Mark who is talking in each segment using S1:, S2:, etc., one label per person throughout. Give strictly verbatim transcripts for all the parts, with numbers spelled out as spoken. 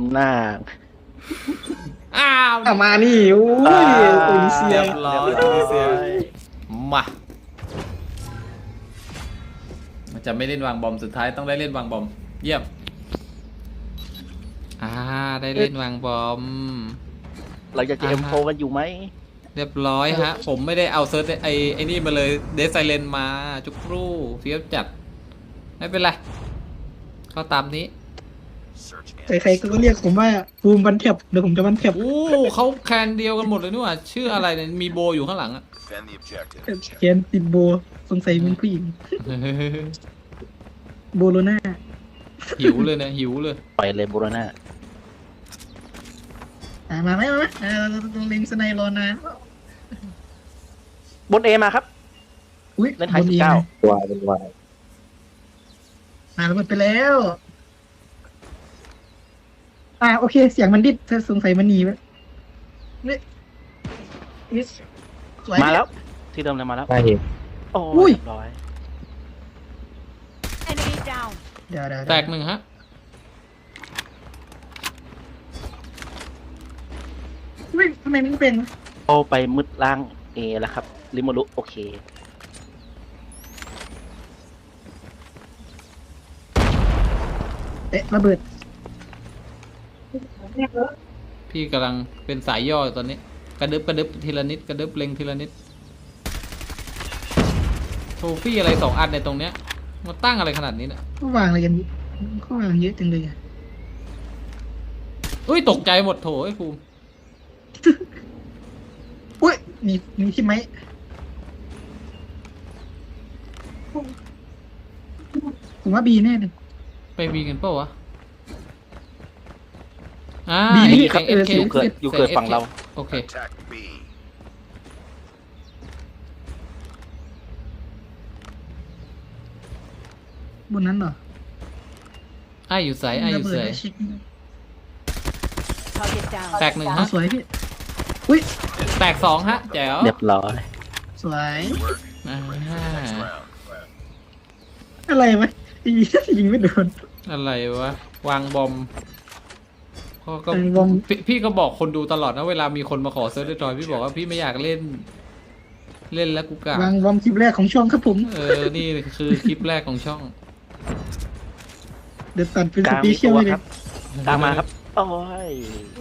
S1: หน้า
S2: อ้าว
S3: อ่ะมานี่โอ้ยโอลิเซี
S2: เรี
S3: ย
S2: ยบร้อยโอลิเซียมามันจะไม่เล่นวางบอมสุดท้ายต้องได้เล่นวางบอมเยี่ยมอ่าได้เล่นวางบอม
S1: เราจะเอ็มโฟกันอยู่ไหม
S2: เรียบร้อยฮะ ผมไม่ได้เอาเซิร์ชไอไอนี่มาเลยเดซไซเลนมาจุกครู่เฟี้ยวจัด ไม่เป็นไรก็ตามนี้
S3: ใครๆก็เรียกผมว่าภูมิวันแทบเดี๋ยวผมจะวันแทบ
S2: โอ้เขาแคนเดียวกันหมดเลยนี่หว่าชื่ออะไรเนี่ยมีโบอยู่ข้างหลังอะ
S3: เขียนติดโบสงสัยเป็นผู้หญิงโบโลน่า
S2: หิวเลยนะหิวเลย
S1: ปล่อยเลยโบโรน่า
S3: อ่ะมาไหมมาไหมอ่าเราต้องเล็งสไนรอนะ
S1: บนเอมาครับ
S3: อุ้ย
S1: เล่นไฮสิบเก้า
S4: วายเป็นวาย
S3: มาแล้วหมดไปแล้ว อ่าโอเคเสียงมันดิดเธอสงสัยมันหนีไปนี่นี่สวย
S1: มาแล้ว ที่เดิมเลยมาแล้ว
S4: ได้เห็น
S1: โอ้
S3: อุ้
S1: ย
S3: ย
S1: เรียบร้อย
S5: Enemy down.
S3: เดี๋ยวเดี๋ยว
S2: แตกหนึ่งฮะ
S3: ไม่ทำไมมันเป็น
S1: โอไปมืดล่างเอแล้วครับริโมรุโอเค
S3: เอ๊ะระเบิด
S2: พี่กำลังเป็นสายย่ออยู่ตอนนี้ กระดึบกระดึบทีละนิดกระดึบเล็งทีละนิดโทฟี่อะไรสองอันในตรงเนี้ยมาตั้งอะไรขนาดนี้เนี่ย
S3: เขาวางอะไรกันเขาวางเยอะจังเลยอะ
S2: อุ้ยตกใจหมดโถไอ้ภูมิ
S3: อุ้ยมีมีที่ไหมผมว่าบีแน่เลย
S2: ไปวีกันเปล่าวะอ่า
S3: บีนี่
S2: เห็น
S3: ครับ
S2: เอฟเค
S3: เออ
S1: อยู่เกิดอยู่เกิดฝั่งเรา
S2: โอเค
S3: บนนั้นเหรอ
S2: ไออยู่ใสไออยู่
S3: ระเบิด
S2: ใส
S3: ได้เช็ค
S5: Target down.
S2: แตกหนึ่ง
S3: อ๋อ
S2: ฮะ
S3: สวยพี่อุ้ย
S2: แตกสองฮะแจ๋ว
S1: เรียบร้อย
S3: สวย
S2: อ่า
S3: อะไรไหมยิงยิงไม่โดน
S2: อะไรวะ วางบอมก็ก็
S3: วางบอม
S2: พี่พี่ก็บอกคนดูตลอดนะเวลามีคนมาขอเซิร์ฟเดอร์จอยพี่บอกว่าพี่ไม่อยากเล่น เล่นแล้วกูกะ
S3: วางวอมคลิปแรกของช่องครับผม
S2: เออ นี่คือคลิปแรกของช่อง
S3: เดี๋ยวตัดเป็น
S1: ก
S3: ส
S1: ลาง
S3: ปี
S1: มี
S3: เชีย
S1: ตั
S3: ล
S1: ว
S3: เลย
S1: ครับตามมาครับ โอ้ย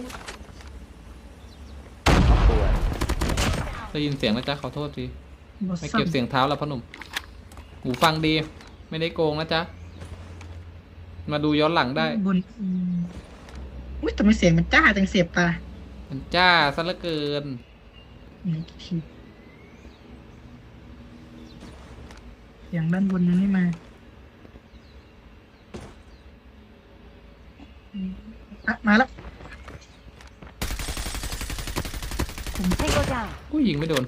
S1: เอาตัว
S2: ได้ยินเสียงนะจ๊ะขอโทษที
S3: บอส
S2: ไม่
S3: ซั
S2: เก็บ
S3: ม
S2: เสียงเท้าแล้วพ่อหนุ่มหูฟังดี ไม่ได้โกงนะจ๊ะ มาดูย้อนหลังได้
S3: บนอืมอุ้ยแต่ไม่เสียงมันจ้าจังเสียบตา
S2: มันจ้าซะเหลือเกิน
S3: อืมเสียงด้านบนมันไม่มาอืมอ่ะมาแล้ว
S5: Tango down.
S2: ผู้หญิงไม่โดน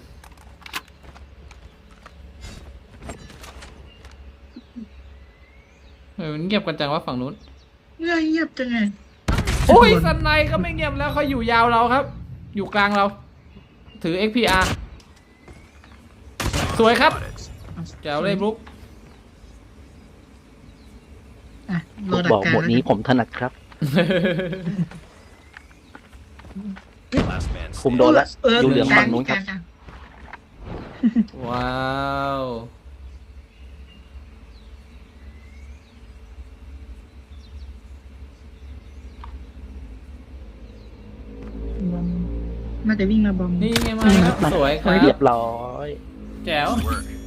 S2: เออมันเงียบกันจังว่าฝั่งนู้น
S3: เงียบเงียบจังไง
S2: โอ้ยสันในก็ไม่เงียบแล้วเขาอยู่ยาวเราครับ อยู่กลางเรา ถือ เอ็กซ์ พี อาร์ สวยครับแจ๋วเลยบลุ๊ก
S3: อ่ะรอดัก
S1: บอก
S3: กลาง
S1: หมดนี้ผมถนัดครับคุมโดนแล้ว
S3: เออ
S1: อยู่เหลือง
S3: กลา
S1: ฝั่งนู้นครับ
S3: กลาง
S2: ว้าว
S3: บอมน่าจะวิ่งมาบอม
S2: นี่ไงมาครับสวยครั
S1: เรีย
S2: บบ
S1: ร้อย
S2: แจ๋ว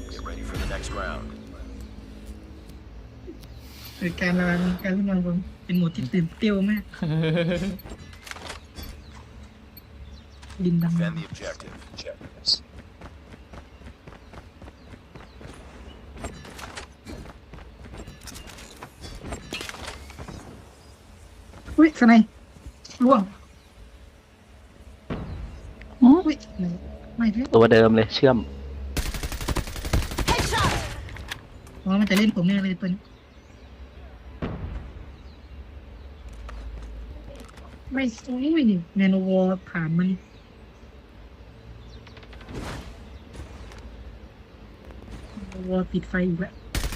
S3: เออการระวังการวิ่งมาบอมเป็นหมวดที่ตื่นเต้นมากดินดำอุ้ยสไนล่วงอุ้ยไม่ไม่
S1: ตัวเดิมเลยเชื่อม
S5: Headshot.
S3: อ๋อมันจะเล่นผมแน่เลยตัวนี้ไม่อุ้ยแนโนวอลผ่านมันวอลปิดไฟอีกแล้ว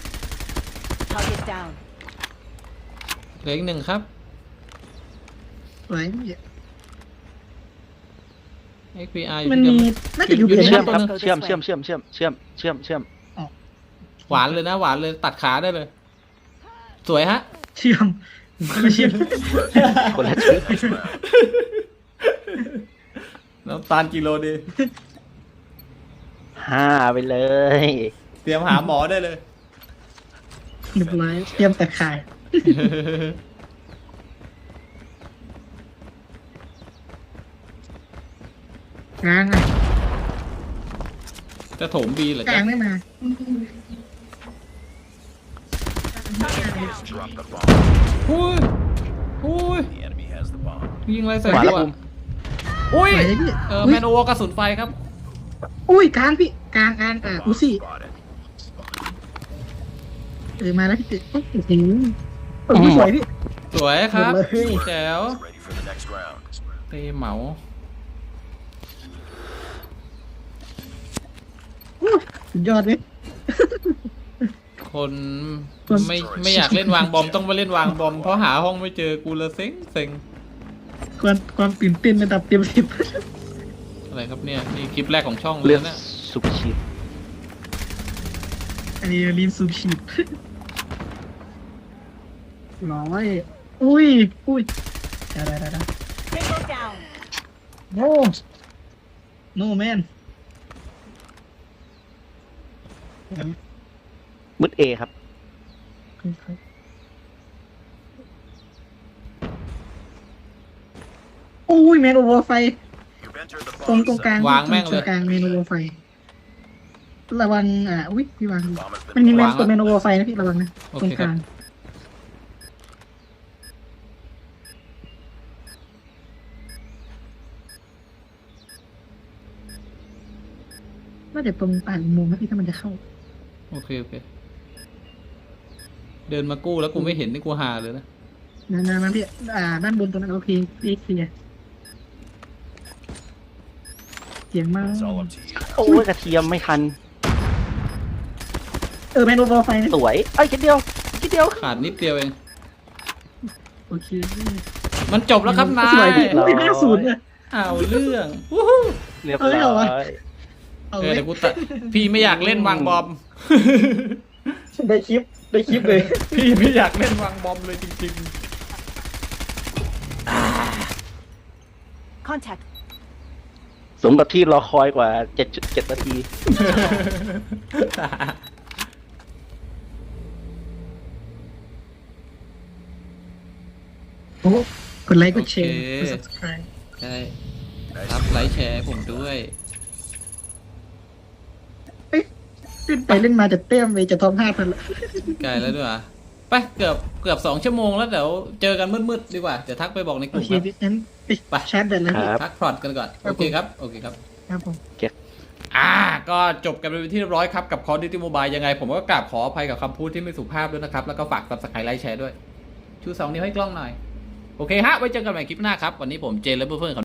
S5: Target down.
S2: เหลืออีกหนึ่งครับ
S3: สวยพี่
S2: เอ็กซ์พีอาร์
S3: มันมีน่าจะอยู่เบีย
S1: เชื่อม
S3: นะ
S1: ครับ
S5: ตัวหนึ่ง
S1: เชื่อมเชื่อมเชื่อมเชื่อมเชื่อมเชื่อมเชื่อม
S2: หวานเลยนะหวานเลยตัดขาได้เลย สวยฮะ
S3: เชื่อมไม่เชื่อม
S1: คนละชื่อ
S2: น้ำตาลกิโลดี
S1: ห้าไปเลย
S2: เตรียมหาหมอได้เลย
S3: เรียบร้อยเตรียมแต่ขายกลางอ่ะ
S2: จะโถมบีเหรอก
S3: ลา
S2: จ๊ะ
S3: งไม่มา
S4: Drop the bomb.
S2: หุ้ยหุ้ย
S4: The enemy has the bomb.
S2: ยิงอะไรใส่
S1: ขวา
S2: ตั
S1: แล้ว
S2: ว
S1: ภูมิ
S2: อุ้ย
S3: ไหวเลยพี่
S2: เออแมนโอวกระสุนไฟครับ
S3: อุ้ยกลางพี่กลางกลางอ่ะอูซี่
S4: Spotted.
S3: เออมาแล้วพี่ติโอ้โหเออสวยพี่
S2: สวยครับ
S3: หมดเลย
S2: แจ๋ว
S4: Ready for the next round.
S2: เตะเหมา
S3: อู้สุดยอดเลย
S2: คนไม่ไม่อยากเล่นวางบอมต้องมาเล่นวางบอมเพราะหาห้องไม่เจอกูละเซ็งเซ็ง
S3: ความความตื่นเต้นระดับเต็มสิบ
S2: อะไรครับเนี่ยนี่คลิปแรกของช่องเล
S1: เลื
S2: ย
S1: อก
S2: นะ
S1: สุภชีพ
S3: อันนี้รีมซูมชีพร้อยอุ้ยอุ้ยได้ได้ได้ได้
S5: Tango down.
S3: โน้โน้แมน
S1: มุดเอครับ
S3: อุ้ยแมนโอเวอร์ไฟ
S4: You've entered the
S3: ตรง
S4: bomb
S3: ตรงกลาง
S4: zone.
S2: วางแม่งเลย
S3: ตรงกลางเมนูโอเวอร์ไฟ ระวังอ่ะอุ้ยพี่วาง
S4: Bomb has
S3: มัน
S4: been
S3: มีแมน
S2: วาง
S3: ตัว
S2: แล้ว
S3: เมนูโอเวอร์ไฟนะพี่ระวังนะ
S2: โอ
S3: ตร
S2: เค
S3: ง
S2: ค
S3: ก
S2: รับ
S3: ลางน่าจะตรงปากอุโมงค์นะพี่ถ้ามันจะเข้า
S2: โอเคโอเค เดินมากู้แล้วกูไม่เห็นนี่กูหาเลยนะ
S3: นั่นนั่นนั่นพี่อ่าด้านบนตรงนั้นโอเคพี่เคลียร์เสียงมาก
S4: It's all up to you.
S1: โอ้ยกระเทียมไม่ทัน
S3: เออแมนโอเวอร์ไฟนะ
S1: สวยเอ้ยคิดเดียวคิดเดียว
S2: ขาดนิดเดียวเอง
S3: โอเค
S2: มันจบแล้วครับนาย
S3: สวยพี่อุ้ยห้าศูนย์เลย
S2: เอาเรื่องวู้ฮู้
S1: เรียบ
S3: เอ้ยเหรอ
S1: ร้อ
S3: วะ
S1: ย
S3: เอา
S2: เออ
S3: ไว้
S2: เดี๋ยวกูตัดพี่ไม่อยากเล่นวางบอม
S3: ได้คลิปได้คลิปเลย
S2: พี่ไม่อยากเล่นวางบอมเลยจริง
S5: Contact.
S1: สมกับที่รอคอยกว่าเจ็ดเจ็ดนาที
S2: ๆ
S3: โอ้กดไลค์กดแชร์
S2: โอเค
S3: กด subscribe
S2: ใช่รับไลค์แชร์ให้ผมด้วย
S3: เอ้ยเล่นไปเล่นมาจะเต้มไปจะทอมห้าพันละ
S2: ไกลแล้วด้วยอ่ะไปเกือบเกือบสองชั่วโมงแล้วเดี๋ยวเจอกันมืดๆดีกว่า เดี๋ยวทักไปบอกในก
S3: โอ
S2: ลุ่ม
S3: เค
S2: ครับ
S3: พี่งั้นไป
S2: ไป
S3: ชาร์จแบตแล้ว
S1: ค
S3: พี่
S1: รับ
S2: พักผ่อนกันก่อน
S3: ครับ
S2: โอเคครับ โอเคครับ
S3: ครับผม
S2: อ่า ก็จบกันไปเป็นที่เรียบร้อยครับกับ Call of Duty Mobile ยังไง ผมก็กราบขออภัยกับคำพูดที่ไม่สุภาพด้วยนะครับ แล้วก็ฝาก Subscribe ไลค์แชร์ด้วย ชูสองนิ้วให้กล้องหน่อย โอเคฮะ ไว้เจอกันใหม่คลิปหน้าครับ วันนี้ผมเจนและเพื่อนๆ